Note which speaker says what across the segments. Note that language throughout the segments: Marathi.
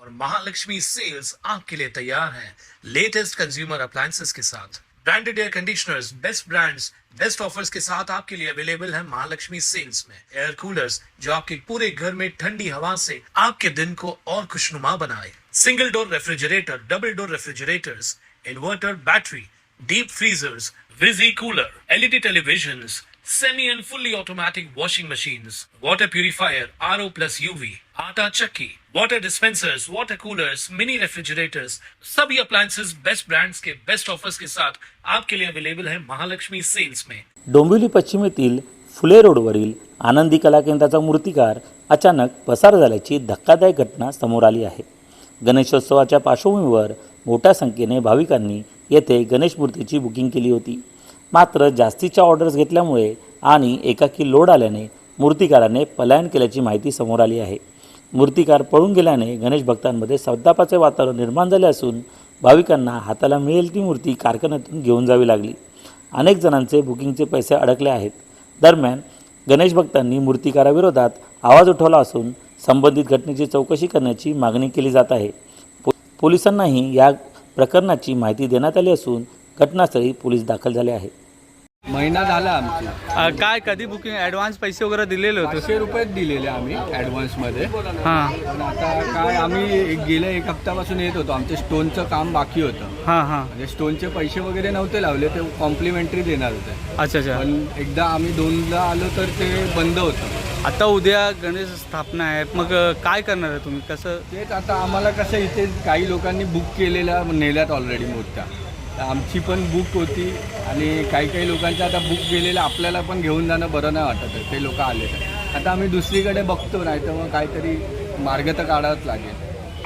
Speaker 1: और महालक्ष्मी सेल्स आपके लिए तैयार है लेटेस्ट कंज्यूमर अप्लायंसेस के साथ। Branded air conditioners, best brands, best offers के साथ आपके लिए अवेलेबल है महालक्ष्मी सेल्स में। एयर कूलर्स जो आपके पूरे घर में ठंडी हवा से आपके दिन को और खुशनुमा बनाए। Single door refrigerator, double door refrigerators, inverter battery, deep freezers, विजी cooler, LED televisions, semi and fully automatic washing machines, water purifier, RO plus UV, आटा चक्की, water dispensers, water coolers, mini refrigerators, सभी अप्लायंसेस बेस्ट ब्रांड्स के बेस्ट ऑफर्स के साथ आपके लिए अवेलेबल है महालक्ष्मी सेल्स में।
Speaker 2: डोंबिवली पश्चिमेतील फुले रोडवरील आनंदी कला केंद्राचा मूर्तिकार अचानक पसार झाल्याची धक्कादायक घटना समोर आली आहे। गणेशोत्सवाच्या पार्श्वभूमीवर मोठ्या संख्येने भाविकांनी येथे गणेश मूर्तीची बुकिंग केली होती। मात्र जास्तीच्या ऑर्डर्स घेतल्यामुळे आणि एकाकी लोड आल्याने मूर्तिकाराने पलायन केल्याची माहिती समोर आली आहे। मूर्तिकार पळून गेल्याने गणेश भक्तांमध्ये संतापाचे वातावरण निर्माण झाले असून भाविकांना हाताला मिळेल ती मूर्ती कारखान्यातून घेऊन जावी लागली। अनेक जणांचे बुकिंगचे पैसे अडकले आहेत। दरम्यान गणेश भक्तांनी मूर्तिकाराविरोधात आवाज उठवला असून संबंधित घटनेची चौकशी करण्याची मागणी केली जात आहे। पोलिसांनाही या प्रकरणाची माहिती देण्यात आली असून घटनास्थळी पोलीस दाखल झाले आहेत।
Speaker 3: महिना झाला आमची
Speaker 4: काय कधी बुकिंग ॲडव्हान्स पैसे वगैरे दिलेले होते?
Speaker 3: 500 रुपये दिलेले आम्ही ॲडव्हान्समध्ये।
Speaker 4: हां
Speaker 3: पण आता काय आम्ही गेल्या एक हप्त्यापासून येत होतो, आमचं स्टोनचं काम बाकी होतं।
Speaker 4: हां हां
Speaker 3: म्हणजे स्टोनचे पैसे वगैरे नव्हते लावले, ते कॉम्प्लिमेंटरी देणार होते।
Speaker 4: अच्छा अच्छा।
Speaker 3: पण एकदा आम्ही 2ला आलो तर ते बंद होतं।
Speaker 4: आता उद्या गणेश स्थापना आहे, मग काय करणार आहे तुम्ही? कसं?
Speaker 3: तेच आता आम्हाला कसं इथे काही लोकांनी बुक केलेल्या नेल्यात ऑलरेडी मूर्त्या, तर आमची पण बुक होती आणि काही लोकांच्या आता बुक केलेलं आपल्याला पण घेऊन जाणं बरं नाही वाटत आहे। ते लोक आले तर आता आम्ही दुसरीकडे बघतो, नाही तर मग काहीतरी मार्ग तर काढावाच लागेल।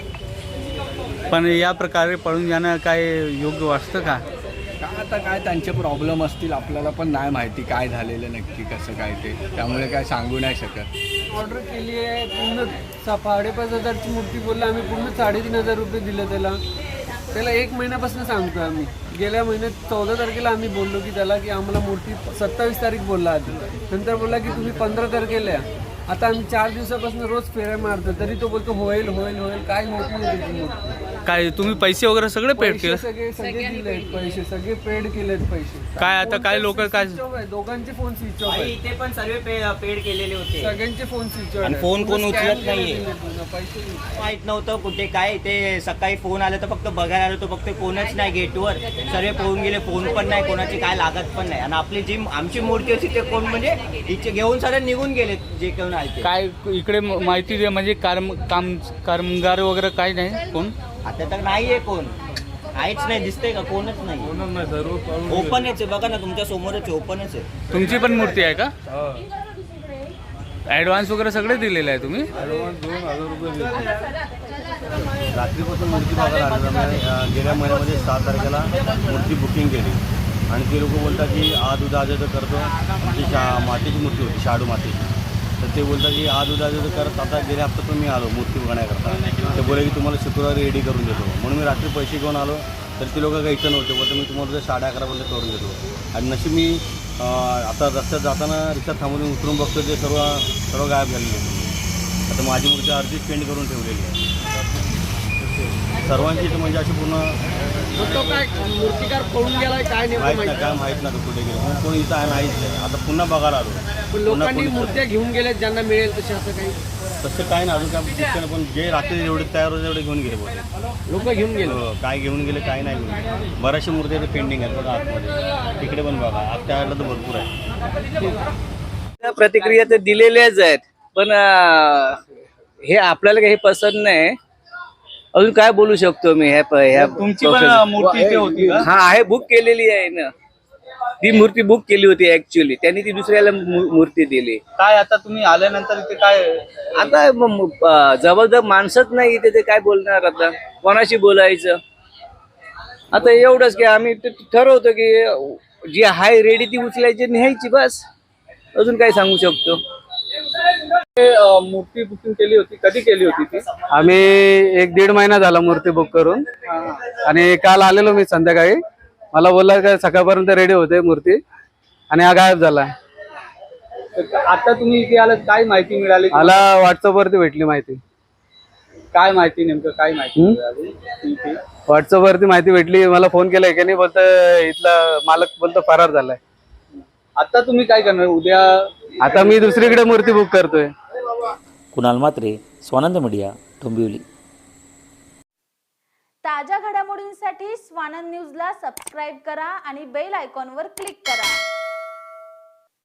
Speaker 4: पण या प्रकारे पळून जाणं काय योग्य वाटतं का?
Speaker 3: आता काय त्यांचे प्रॉब्लेम असतील, आपल्याला पण नाही माहिती काय झालेलं नक्की कसं काय ते, त्यामुळे काय सांगू नाही शकत।
Speaker 5: ऑर्डर केली आहे पूर्ण 5,500ची मूर्ती बोलला, आम्ही पूर्ण 3,500 रुपये दिलं त्याला 1 महिन्यापासून सांगतो आम्ही। गेल्या महिन्यात 14 तारखेला आम्ही बोललो की त्याला की आम्हाला मूर्ती 27 तारीख बोलला आधी, नंतर बोलला की तुम्ही 15 तारखेला या। आता आम्ही 4 दिवसापासून रोज फेऱ्या मारतो, तरी तो बोलतो होईल होईल होईल, काय होत नाही त्याची मूर्ती।
Speaker 4: काय तुम्ही पैसे वगैरे सगळे पेड केले?
Speaker 5: सगळे दिलेत पैसे, सगळे पेड केलेत पैसे।
Speaker 4: काय आता काय लोक काय
Speaker 5: दोघांचे फोन स्विच ऑफ आहे,
Speaker 6: इथे पण सर्व पेड केलेले होते।
Speaker 5: सगळ्यांचे फोन स्विच ऑफ
Speaker 6: आणि
Speaker 5: आहे,
Speaker 6: फोन कोण
Speaker 5: पूर्ण
Speaker 6: उचलत
Speaker 5: scam
Speaker 6: नाहीये।
Speaker 5: केलेले पूर्ण, पैसे नाही।
Speaker 6: माहित नव्हतं कुठे काय ते, सकाळी फोन आला तर फक्त बघायला आलो, तो फक्त फोनच नाही गेटवर, सर्व पळून गेले, फोन पण नाही कोणाची, काय लागत पण नाही। आणि आपली जी आमची मूर्ती होती ते कोण म्हणजे इथे घेऊन सारे निघून गेले जे कोण आले।
Speaker 4: काय इकडे माहिती दे, म्हणजे कामगार वगैरे काय नाही कोण?
Speaker 6: आता तर नाहीये कोण, काहीच नाही दिसतंय का, कोणच नाही। ओपनच आहे, बघा ना तुमच्या समोरच ओपनच आहे।
Speaker 4: तुमची पण मूर्ती आहे का? ॲडव्हान्स वगैरे सगळे दिलेले आहे तुम्ही?
Speaker 7: रात्रीपासून मूर्ती बघायला आलेलं। गेल्या महिन्यामध्ये 7 तारखेला मूर्ती बुकिंग केली आणि ते लोक बोलतात की आज उद्या आज करतो। आमची मातीची मूर्ती होती, शाडू मातीची, तर ते बोलतात की आज उद्या आज करत। आता गेल्या हप्त्यातून मी आलो मूर्ती बघण्याकरता, ते बोले की तुम्हाला शुक्रवारी रेडी करून देतो, म्हणून मी रात्री पैसे घेऊन आलो, तर ते लोक काही इथं नव्हते, बोलतो मी तुम्हाला 11:30 पर्यंत करून देतो। आणि नशीब मी आता रस्त्यात जाताना रिक्षा थांबवून उतरून बघतो ते सर्व गायब झालेले। आता माझी मूर्ती अर्धीच पेंट करून ठेवलेली आहे सर्वांची, तर म्हणजे अशी पूर्ण
Speaker 5: मूर्तिकार पळून गेलाय काय
Speaker 7: माहीत नाही कुठे गेलो, कोणी इथं आहे नाहीच नाही। आता पुन्हा बघायला आलो,
Speaker 5: लोकांनी मूर्त्या घेऊन गेल्या ज्यांना मिळेल तसे, असं काही
Speaker 7: तसं काय नाही अजून काय, पण जे रात्री एवढे तयार होते तेवढे घेऊन गेले बोलते
Speaker 5: लोक घेऊन गेले।
Speaker 7: काय घेऊन गेले काय नाही घेऊन गेले। बऱ्याचशा मूर्त्या पेंडिंग आहेत बघा आतमध्ये, तिकडे पण बघा आत त्याला तर भरपूर आहे।
Speaker 8: प्रतिक्रिया तर दिलेल्याच आहेत, पण हे आपल्याला काही पसंत नाही। अजून काय बोलू शकतो मी?
Speaker 4: तुमची पण मूर्ती इथे होती का?
Speaker 8: हा आहे, बुक केलेली आहे ना, ती मूर्ती बुक केली होती ऍक्च्युअली, त्यांनी ती दुसऱ्याला मूर्ती दिली।
Speaker 4: काय आता तुम्ही आल्यानंतर इथे काय
Speaker 8: आता जबरदस्त माणसंच नाही इथे, ते काय बोलणार, आता कोणाशी बोलायचं? आता एवढंच की आम्ही ठरवतो की जी हाय रेडी ती उचलायची न्यायची, बस। अजून काय सांगू शकतो?
Speaker 4: मूर्ती बुकिंग केली होती, कधी केली होती ती?
Speaker 5: आम्ही 1-1.5 महिना झाला मूर्ती बुक करून, आणि काल आलेलो मी संध्याकाळी, मला बोलला का सकाळपर्यंत रेडी होते मूर्ती, आणि हा गायब झाला।
Speaker 4: आता तुम्ही इथे आलात, काय माहिती मिळाली?
Speaker 5: मला व्हॉट्सअपवरती भेटली माहिती।
Speaker 4: काय माहिती नेमकं काय माहिती मिळाली?
Speaker 5: व्हॉट्सअपवरती माहिती भेटली, मला फोन केला की नाही, बोलतं इथला मालक बोलतो फरार झालाय.
Speaker 4: आता तुम्ही काय करणार उद्या?
Speaker 5: आता मी दुसरीकडे मूर्ती बुक करतोय.
Speaker 2: कुणाल मात्रे, स्वानंद मीडिया, डोंबिवली.
Speaker 9: ताज्या घडामोडींसाठी स्वानंद न्यूजला सबस्क्राईब करा आणि बेल आयकॉनवर क्लिक करा.